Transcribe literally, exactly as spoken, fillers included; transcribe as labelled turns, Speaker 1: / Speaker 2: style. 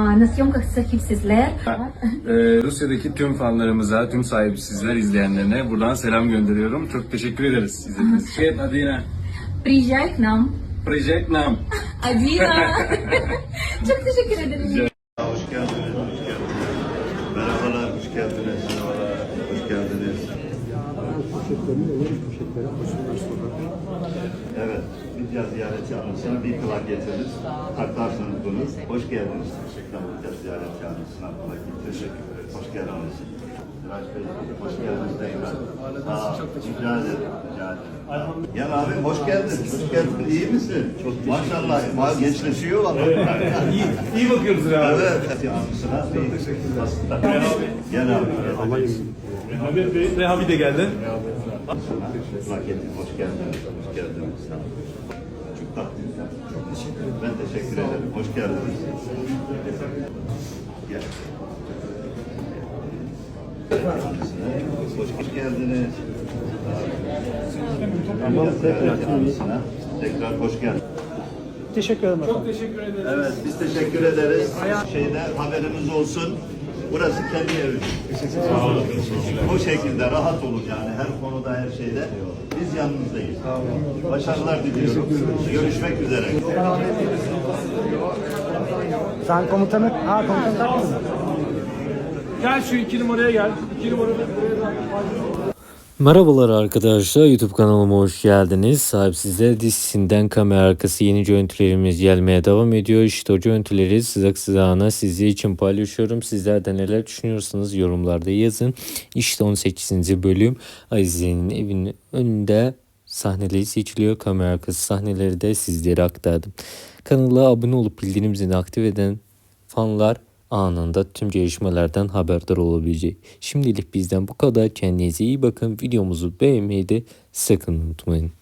Speaker 1: na съемках sahipsizler.
Speaker 2: Ee, Rusya'daki tüm fanlarımıza, tüm sahipsizler izleyenlerine buradan selam gönderiyorum. Çok teşekkür ederiz izlediğiniz için. Adina.
Speaker 1: Приезжай к нам.
Speaker 2: Приезжай к нам.
Speaker 1: Adina. Çok teşekkür ederim.
Speaker 3: Hoş geldiniz, hoş geldiniz. Merhabalar, hoş geldiniz. Merhabalar, hoş geldiniz. Evet, Lidya ziyareti anısına bir plak getiririz. Taklarsınız bunu. Hoş geldiniz. Teşekkürler Lidya ziyareti anısına plak teşekkür ederiz. Hoş geldiniz. Siraç Bey, hoş geldiniz tekrar. Aa, rica ederim, rica ederim. Gel abim, hoş geldin. Hoş geldin. İyi misin? Çok maşallah, ma gençleşiyor valla.
Speaker 4: iyi, iyi bakıyoruz ya.
Speaker 3: Evet. Anısına bir Gel abi. Gel abi.
Speaker 4: Rehabi Bey, Rehabi de geldi.
Speaker 3: Plaketin hoş geldiniz. Hoş geldiniz. Sağ olun. Çok tatlıyız. Çok teşekkür ederim. Ben teşekkür ederim. Hoş geldiniz. Gel. Hoş, hoş geldiniz. Tamam. Tekrar, tekrar hoş geldiniz.
Speaker 5: Teşekkür ederim.
Speaker 4: Çok teşekkür ederim.
Speaker 3: Evet, biz teşekkür ederiz. Şeyde haberimiz olsun. Burası kendi evimiz. Bu şekilde rahat olun yani her konuda her şeyde. Biz yanınızdayız. Başarılar diliyorum. Görüşmek üzere.
Speaker 5: Sen komutanı... Ha komutanı taktın.
Speaker 4: Gel şu iki numaraya gel. İki numarada buraya da.
Speaker 6: Merhabalar arkadaşlar, YouTube kanalıma hoş geldiniz. Sahipsizler dizisinden kamera arkası yeni görüntülerimiz gelmeye devam ediyor. İşte o görüntüleri sıcak sıcağına sizler için paylaşıyorum. Sizler de neler düşünüyorsunuz yorumlarda yazın. İşte on sekizinci bölüm Azize'nin evinin önünde sahneleri seçiliyor. Kamera arkası sahneleri de sizlere aktardım. Kanala abone olup bildirim zilini aktif eden fanlar anında tüm gelişmelerden haberdar olabilecek. Şimdilik bizden bu kadar. Kendinize iyi bakın. Videomuzu beğenmeyi de sakın unutmayın.